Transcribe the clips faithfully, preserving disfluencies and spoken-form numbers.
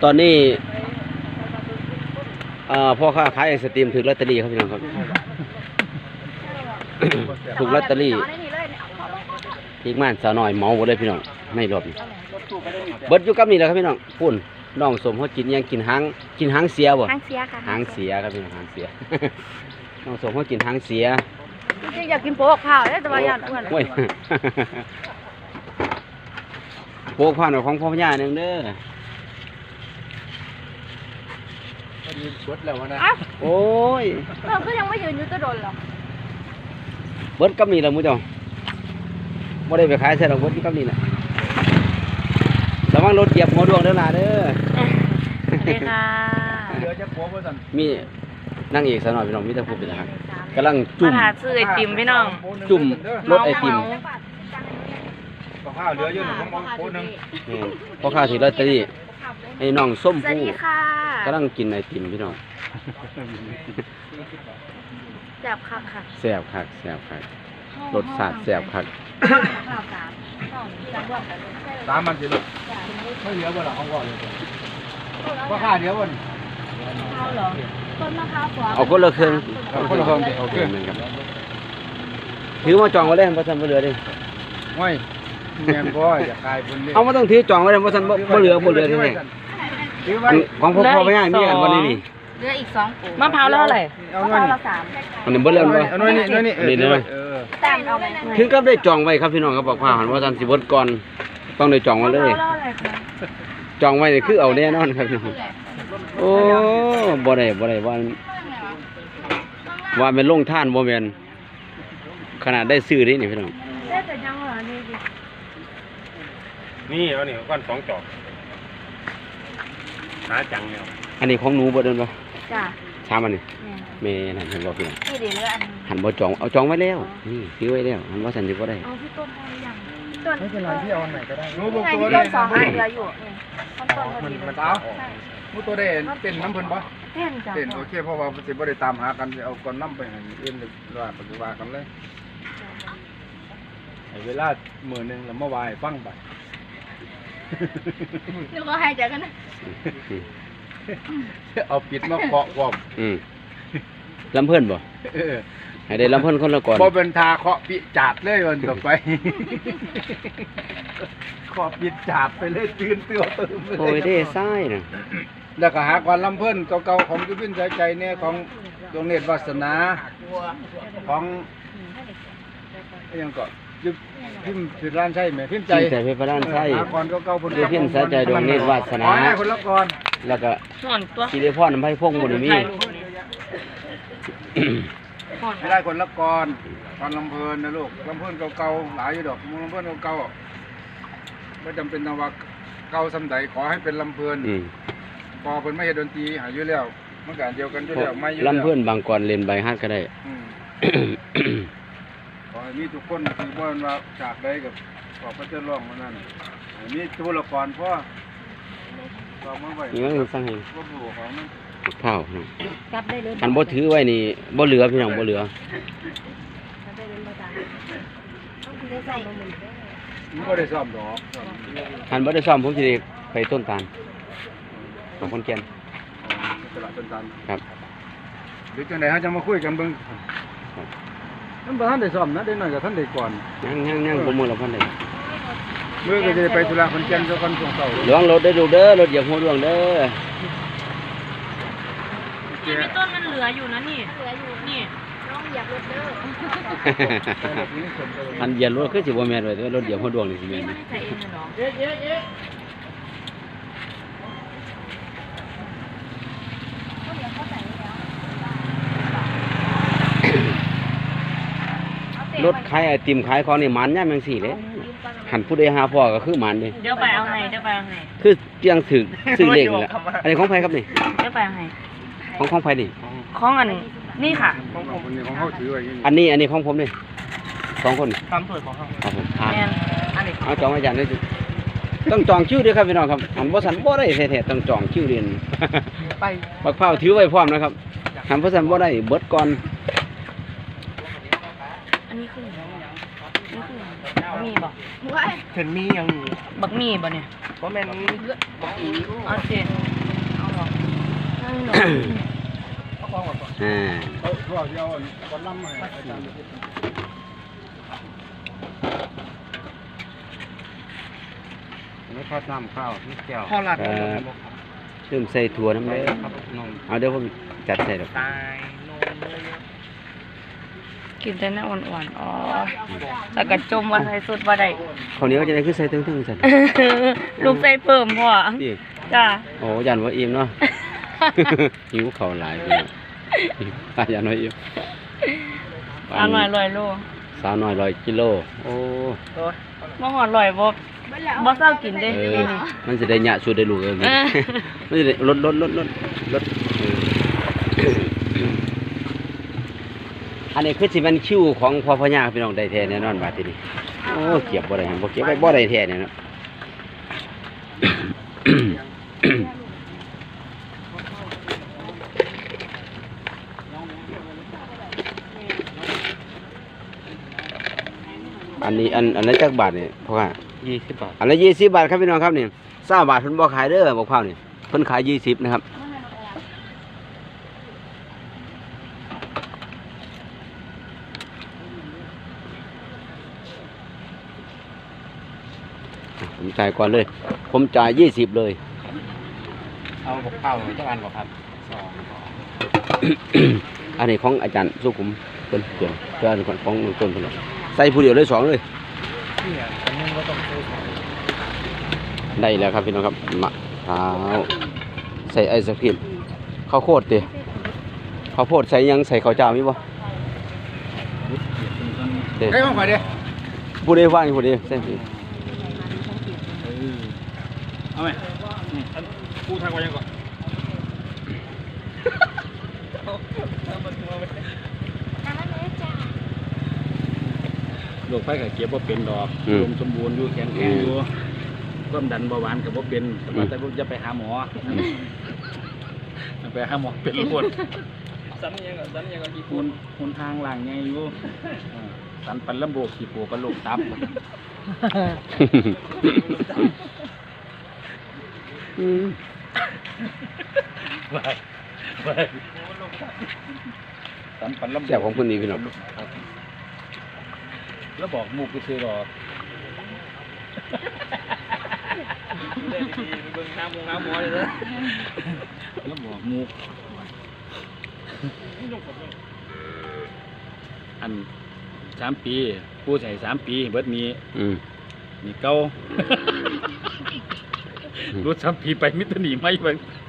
ตอนนี้พ่อค้าขายไอศตรีมถูกลอตเตอรี่ครับพี่น้องครับถูกลอตเตอรี่ทีกม่านสาวหน่อยเมาหมดเลยพี่น้องไม่รอบนี้เบิดอยู่กับนี่แหละครับพี่น้องปุ่นน้องสมเขากินยังกินหางกินหางเสียบ่หางเสียค่ะหางเสียครับพี่น้องหางเสียน้องสมเขากินหางเสียจริงๆอยากกินโป๊กข้าวได้แต่ว่าอยากอ้วนโอ้ยโป๊กข้าวหน่อยของพ่อพญาหนึ่งเด้อยืนเบิดแล้วนะโอ้ยเราก็ยังไม่ยืนอยู่จะโดนหรอเบิดกับนี่แหละมุ้งจ้าไม่ได้ไปขายใส่ดอกเบิดกับนี่แหละระวังรถเหยียบหัวดวงเด้อล่ะเด้อสวัสดีค่ะเดี๋ยวจะโป๊ะสั่นมีนั่งเอกสาวหน่อยพี่น้องมีแต่ผู้เป็นทหารกำลังจุ่มมาหาซื้อไอติมพี่น้องจุ่มรถไอติมข้าวเหลือเยอะหนึ่งของโป๊ะหนึ่งพ่อข้าถือลอตเตอรี่ไอ้น้องส้มผู้กำลังกินไอติมพี่น้องแซ่บคักค่ะแซ่บคักแซ่บคักรสชาติแซ่บคักสามมันสิลูกไม่เหลือบ่หรอของก่อนเลยว่าข้าเดียววันข้าวเหรอต้นมะพร้าวขวาเอาคนละเครื่องเอาคนละเครื่องโอเคถือมาจองไว้เลยเพราะฉันไม่เหลือดิไม่แม่พ่ออยากกลายเป็นเอามาต้องถือจองไว้เลยเพราะฉันไม่เหลือไม่เหลือที่ไหนของพ่อพ่อไม่ง่ายมีกันวันนี้นี่เหลืออีกสองปุ๋ยมะพร้าวแล้วเท่าไหร่มะพร้าวละสามอันนี้เบอร์เรื่องเลยอันนี้นี่นี่นี่เลยถึงก็ได้จองไว้ครับพี่น้องครับบอกว่าหันว่าฉันสิบวันก่อนต้องได้จองไว้เลยจองไว้นี่คือเอาแน่นอนครับพี่น้องโอ้บ่ได้บ่ได้ว่าว่าเป็นลงท่านบ่แม่นขนาดได้ซื้อนี่นี่พี่น้องได้แต่ยังเหรอนี่ดินี่เอานี่ก้อนสองจอกหาจังเนี่ยอันนี้ของหนูบ่เดินบ่จ้ะชามอันนี้แม่นั่นเห็นบ่พี่น้องนี่ดิเหลืออันหันบ่จองเอาจองไว้แล้วนี่ซื้อไว้แล้วหันว่าฉันสิบ่ได้เอาพี่ต้นได้ยังต้นไม่เป็นไรพี่เอาอันไหนก็ได้หนูบอกตัวได้สองอันเหลืออยู่ต้นต้นพอดีมันเท้ามูตัวเด่นเป็นน้ำเพิ่นปะเป็นจ้ะเป็นโอเคเพราะว่าสิบ่ได้ตามหากันเอาก่อนน้ำไปให้เอ็นเลยว่าปฏิวัติกันเลยเวลาหมื่นหนึ่งแล้วเมื่อวานฟังไปนึกว่าให้ใจกันนะเอาปิดมาเคาะกวบลำเพิ่นบ่ให้ได้ลำเพิ่นคนละก่อนบ่เป็นทาเคาะปิจาดเลยวันต่อไปเคาะปิจาดไปเลยตื่นเตื้อตื่นโอ้ยได้ไส้น่ะแล้วก็หาความลำเพิ่นเก่าๆของยุพินใจใจเนี่ยของดวงเนตรวาสนาของยังก็ยุพิมพิร้านใช่ไหมพิมใจใจพิร้านใช่หาก่อนเก่าๆคนยุพินใจใจดวงเนตรวาสนาคนละก่อนแล้วก็สิริพรน้ำไผ่พงบ่ได้มีไม่ได้คนละก่อนตอนลำเพลินนะลูกลำเพลินเก่าๆหลายอยู่ดอกลำเพลินเก่าๆไม่จำเป็นนะว่าเก่าสำใดขอให้เป็นลำเพลินพอเพิ่นไม่เห็นดนตรีหายอยู่แล้วเมื่อก่อนเดียวกันอยู่แล้วไม่อยู่แล้วลำเพลินบางก่อนเล่นใบฮัดก็ได้ขอให้มีทุกคนที่บ่นว่าจากใดกับขอพระเจ้าร้องมานั่นมีทุละก่อนพ่อก็มาไว้นี่มันสั่งให้บ่รู้ของมันข้าวอันบ่ถือไว้นี่บ่เหลือพี่น้องบ่เหลือบ่ได้ซ่อมดอกอันบ่ได้ซ่อมผมสิได้ไปต้นตาลของคนแก่นตลาดต้นตาลครับเดี๋ยวจังได๋เฮาจะมาคุยกันเบิ่งมันบ่ทันได้ซ่อมนะเดี๋ยวหน่อยก็ทันได้ก่อนยังๆๆบ่มื้อละพันได้มื้อก็จะไปธุระคนแก่นซะก่อนช่วงเช้าระวังรถได้ดูเด้อรถเหยียบหัวดวงเด้อนี่มีต้นมันเหลืออยู่นะนี่เหลืออยู่นี่น้องเหยียบรถเด้ออันเหยียบรถคือสิบ่แม่นไว้แต่รถเหยียบหัวดวงนี่สิแม่นเอ๊ะเอ๊ะเอ๊ะรถขายไอติมขายของนี่มันย่ำจังซี่เลยหันผู้ใดหาพ่อก็คือมันดิเดี๋ยวไปเอาให้เดี๋ยวไปเอาให้คือเตียงถึกซื้อเลขนี่แหละอันนี้ของไผครับนี่เดี๋ยวไปเอาให้ของของไผนี่ของอันนี่ค่ะของผมนี่ของเฮาถือไว้อันนี้อันนี้ของผมนี่สองคนทำเปิดของเฮาครับผมเอาจองอาจารย์ได้ต้องจองคิวด้วยครับพี่น้องครับหันบ่สันบ่ได้แท้ๆต้องจองคิวเรียนไปบักเผาถือไว้พร้อมนะครับหันบ่สันบ่ได้เบิดก่อนอันนี้คือนี่คือมีบ่เห็นมียังบักมีบ่เนี่ยบ่แม่นบักอีเอาสิอ่าเอาทั่วเดียวคนล่ำให้อาจารย์ไม่ทอดน้ำข้าวนี่แก้วข้าวราดเริ่มใส่ถั่วน้ำเลยครับนมเอาเดี๋ยวผมจัดใส่ดอกตายนมเลยกินแต่น้ำอ่อนๆอ๋อแล้วก็จมว่าใส่สุดว่าได้ข้าวเหนียวจะได้คือใส่เทั้งๆใส่ลูกใส่เพิ่มพ่อดิจ้าโอ้ยันว่าอิ่มเนาะ หิวข้าวหลายพี่น้องยันว่าอิ่มอร่อยลอยโลสาวน้อยร้อยกิโลโอ้บ่หอดลอยบ่บ่เศร้ากินเด้เออมันจะได้หยะสุดได้ลูกเออมันจะได้ลดลดลดลดลดเอออันนี้คือสิมันคิวของพ่อพญาพี่น้องได้แท้แน่นอนบาดทีนี้โอ้เก็บบ่ได้หั่นบ่เก็บไว้บ่ได้แท้เนี่ยเนาะ อันนี้อันอันนั้นจักบาทนี่เพราะว่ายี่สิบบาทอันละยี่สิบบาทครับพี่น้องครับนี่เศร้าบาทเพิ่นบ่ขายเด้อบอกข้าวนี่เพิ่นขายยี่สิบนะครับผมจ่ายก่อนเลย ผมจ่ายยี่สิบเลยเอาบอกข้าวเจ้าอันบอกครับสองอันนี้ของอาจารย์สุขุมเพิ่นเกี่ยวเจ้าอันของของต้นเพิ่นใส่ผู้เดียวเลยสองเลยเนี่ยอันนึงก็ต้องซื้อของได้แล้วครับพี่น้องครับมะพร้าวใส่ไอศครีมข้าวโพดติข้าวโพดใส่ยังใส่ข้าวเจ้ามีบ่เด้ใครมาขายดิผู้ใดว่างผู้ใดใส่สิเอาไหมกูทางไว้ยังก่อนโรคไฟไข้เก็บว่าเป็นดอกลมสมบูรณ์อยู่แข็งแรงอยู่ความดันเบาหวานกับว่าเป็นแต่ว่าแต่จะไปหาหมอไปหาหมอเป็นปวดสันยังก็สันยังก็กี่คนคนทางหลังไงอยู่สันปันลำโบกขี่ปูปันลูกตับอืมไปไปสันปันลำโบกแซ่บของคนนี้พี่น้องแล้วบอกมุกไปซื้อหรอกเบิ่งน้ำมงน้ำมอเลยนะแล้วบอกมุกอันสามปีผู้ใส่สามปีเบิดนี้อืมนี่เก้ารู้สามปีไปมิตรหนีไม่ไป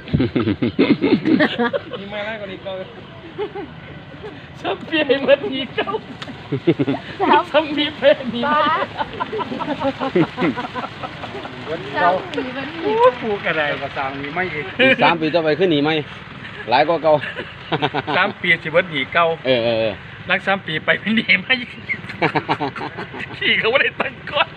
นี่ไม่ไรกว่านี้เก้าสามปีเบิดนี้เก้าสามปีไปหนีไม่เราปูกระไดกระสังมีไม่อีกอีกสามปีต่อไปขึ้นหนีไหมหลายกว่าเก่าสามปีสิเบิดหนีเก้าเออเออเออนักสามปีไปไม่หนีไม่ขี่เขาไม่ได้ตั้งก้อน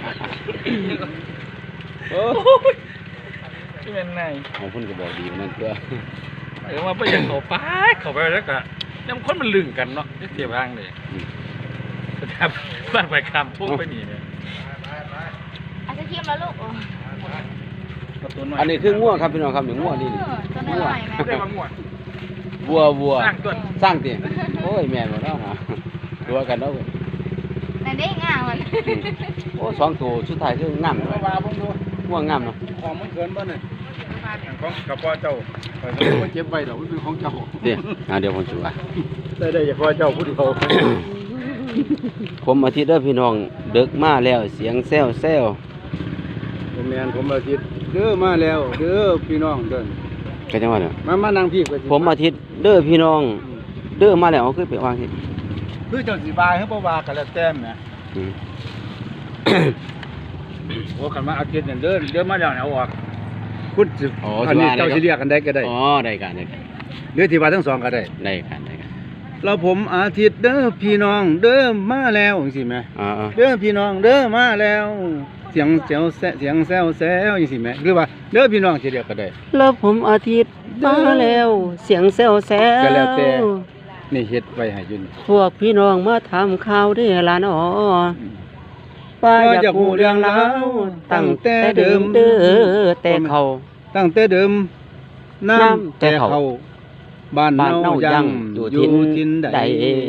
โอ้ที่เป็นไงของคุณก็บอกดีมันนั่นเพื่อเออว่าไปยังเขาไปเขาไปแล้วก็น้ำข้นมันลึงกันเนาะที่เสียบ้างเลยแต่บ้านไปคำพุ่งไปหนีเนี่ยอาจจะเทียมแล้วลูกอันนี้คือง่วครับพี่น้องครับนี่ง่วนี่นี่ตัวน้อยๆแม่ได้มาหมดวัววัวสร้างต้นสร้างเตียงโอ้ยแม่นบ่เนาะฮะตัวกันเนาะเว้ยแต่ได้ง่างมันอืมโอ้สองตัวสุดท้ายคืองามเลยมาผมดูง่วงงามเนาะของมันเกินบ้านเลยของกระเพาะเจ้าไปมันเจ็บไปหรอกมันเป็นของเจ้าเดี๋ยวอ่าเดี๋ยวผมชูว่าได้ได้เฉพาะเจ้าผู้เดียวผมอาทิตย์เด้อพี่น้องดึกมาแล้วเสียงแซวแซวผมแมนผมอาทิตย์เด้อมาแล้วเด้อพี่น้องเดินก็จังว่าเนี่ยมามานั่งพี่ก็สิผมอาทิตย์เด้อพี่น้องเด้อมาแล้วเอาคือไปวางที่คือเจ้าสิบายให้บ่ว่ากันแล้วแต้มนะอืมโอ้กันมาอาทิตย์เนี่ยเด้อเด้อมาแล้วเนี่ยเอาออกคุณสิอ๋ออันนี้เจ้าสิเรียกกันได้ก็ได้อ๋อได้กันได้กันหรือที่ว่าทั้งสองก็ได้ได้กันได้กันแล้วผมอาทิตย์เด้อพี่น้องเด้อมาแล้วจังซี่แหมอ่าเด้อพี่น้องเด้อมาแล้ว เสียงเสียวแซะเสียงแซวแซวจังซี่แหมหรือว่าเด้อพี่น้องสิเรียกก็ได้แล้วผมอาทิตย์มาแล้วเสียงแซวแซวก็แล้วแต่ นี่เฮ็ดไว้ให้อยู่นี่พวกพี่น้องมาถามข่าวเด้อล่ะน้อป้าอยากรู้เรื่องราวตั้งแต่เดิมเด้อแต่เขาตั้งแต่เดิมน้ำแต่เขาบ้านบ้านเนาเนายัยัง งออยู่ ยู่ทิทินนใดใด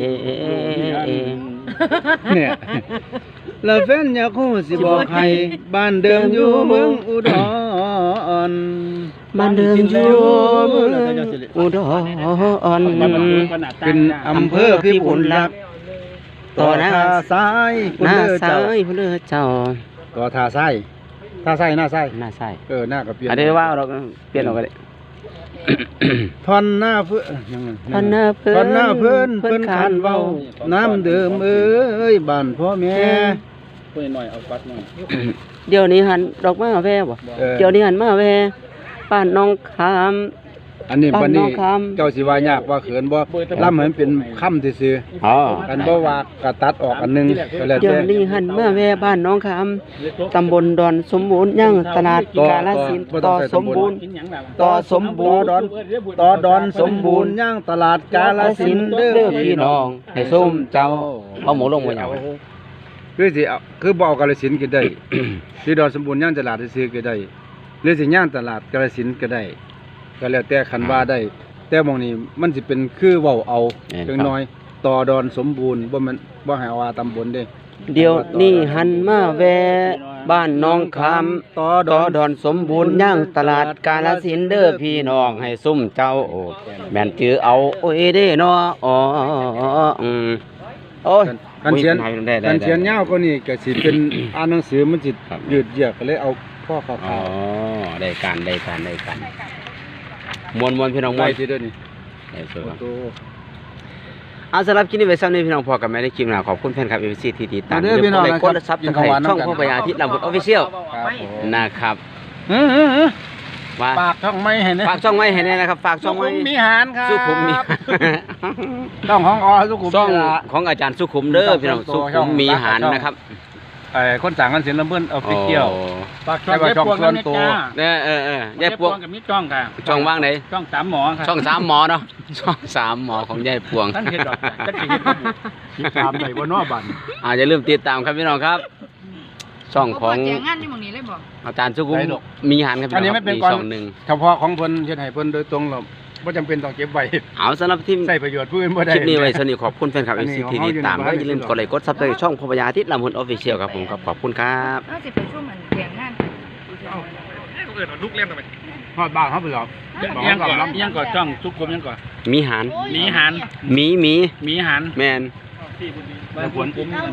เนี่ยแล้วแฟนอยากฮู้สิบอกให้บ้านเดิมอยู่เมืองอุดรบ้านเดิมอยู่เมืองอุดรเป็นอำเภอพิบูลรักษ์ต่อหน้าซ้ายคุณหน้าเด้อซ้าเจ้ายพุ่นเด้อเจ้าต่อท่าซ้ายท่าซ้ายหน้าซ้ายหน้าซ้ายเออหน้าก็เปลี่ยนอันนี้ว่าเราเปลี่ยนออกก็ได้ท่อนหน้าเพื่อยังไงท่อนหน้าเพิ่นท่อนหน้าเพิ่นเพิ่เพิ่นนขานขานเว้าเว้าน้ำเดิมเอ้ยบ้านพ่อแม่พูดหน่อยเอาปัดหน่อยเดี๋ยวนี้หันดอกมาแว่บ่ออเดี๋ยวนี้หันมาแว่บ้านน้องขามอันนี้บ้านบัดนี้น้องคำเจ้าสิว่ายากว่าเขินบ่ล่ำให้มันเป็นคำซื่ออ๋อๆกันบ่ว่าก็ตัดออกอันหนึงก็แล้วเดี๋ยวแต่นี้หันมาแว่บ้านน้องขามตำบลดอนสมบูรณ์ย่างตลาดต่อกาฬสินธุ์บ่ต้ต่อองใส่สมบูรณ์กินหยังล่ะต่อสมบูรณ์ต่อดอนต่อดอนสมบูรณ์ย่างตลาดกาฬสินธุ์เด้เด้ออพี่พี่น้น้ออง งให้ส้มเจ้าเอาหมูลงมาหยังคือสิเอาคือบ่เอากาฬสินธุ์ก็ได้ ที่ดอนสมบูรณ์ย่างตลาดซื่อๆก็ได้หรือสิย่างตลาดกาฬสินธุ์ก็ได้ก็แล้วแต่คันว่าได้ แต่หมองนี้มันสิเป็นคือเว้าเอาจังน้อยต่อดอนสมบูรณ์บ่แม่นบ่ให้ว่าตำบลเด้เดี๋ยวนี้หันมาแว่บ้านน้องขามต่อดต่ออนดอนสมบูรณ์ย่างตลาดกาฬสินธุ์เด้อพี่น้องให้ส้มเจ้าโอ้แม่นจือเอาโอ้ยเด้เนาะอ๋ออืมโอ้ยคันเขียนได้ได้ได้คันเขียนยาวกว่านี้ก็สิเป็น อ่านหนังสือมันสิครับยืดเยื้อก็เลยเอาข้อข่าวอ๋อได้การได้การได้การมวนมวนพี่น้องๆมไว้วนที่เด้อนี่ได้สวยครับโอ้เอาสำหรับคลิปนี้ไว้ซ้ำนี้พี่น้องพอกันไม่ได้คลิปหน้าขอบคุณแฟนคลับเอฟซีที่ติดตามเด้อพี่น้องเลยนะกคดรับซับกิสนไครข้าวหวานต์ช่องน้ำกันพ่อพญาทิตย์ลำพูนออฟฟิเชียลครับผมนะครับเออว่าปากช่องไม่เห็นนะฝากช่องไว้ให้แน่นะครับฝากช่องไว้มีหารครับสุขุมมีต้องของอสุขุมช่องนี่ล่ะของอาจารย์สุขุมเด้อพี่น้องช่สุองขุมมีหารช่องนะครับไอ้คนสั่งกันเสียลำเบิ้นเอาไปเกี่ยวโอ้ปากช่องเย็บพวงส่วนตัวเออเออเออเย็ยายบปพววงงกับมีจ้องค่ะช่องว่างไหนจ้องสามหมอค่ะช่องสามหมอเนาะช่องสามหมอของยายปวงท่านเห็นดอกจักสิเฮ็ดบ่บุติดตามได้บ่เนาะบัดอาอย่าลืมติดตามครับพี่น้องครับ ช่องของแจงงานที่หมองนี้เลยบอกอาจารย์สุขุมมีหารครับพี่อันน้นี้องคไม่รับเป็นมีก่อนช่องหนึ่งเฉพาะของเพิ่นเฮ็ดให้เพิ่นโดยตรงหรอกบ่จำเป็นต้องเก็บไว้เอาสำหรับที่ใช้ประโยชน์ผู้อื่นบ่ได้คลิปนี้ไว้สนิทขอบคุณแฟนคลับอัเอนนี้ซีของที่เขาติดตามอยู่ในแล้วบ้านอย่าลืมกดไลค์กดซับสไครต์ช่องพ่อพญาทิตย์ลำพูนออฟฟิเชียลครับผมครับขอบคุณครับน่าจะไปช่วงมันแจงงานเอิ้นว่าลูกเล่นทำไมฮอดบ้านเขาไปหรอกยังก่อนยังก่อนจ้องทุกกลมยังก่อนมีหารหมีหันหมีหมีหมีหันแมนบ้านผม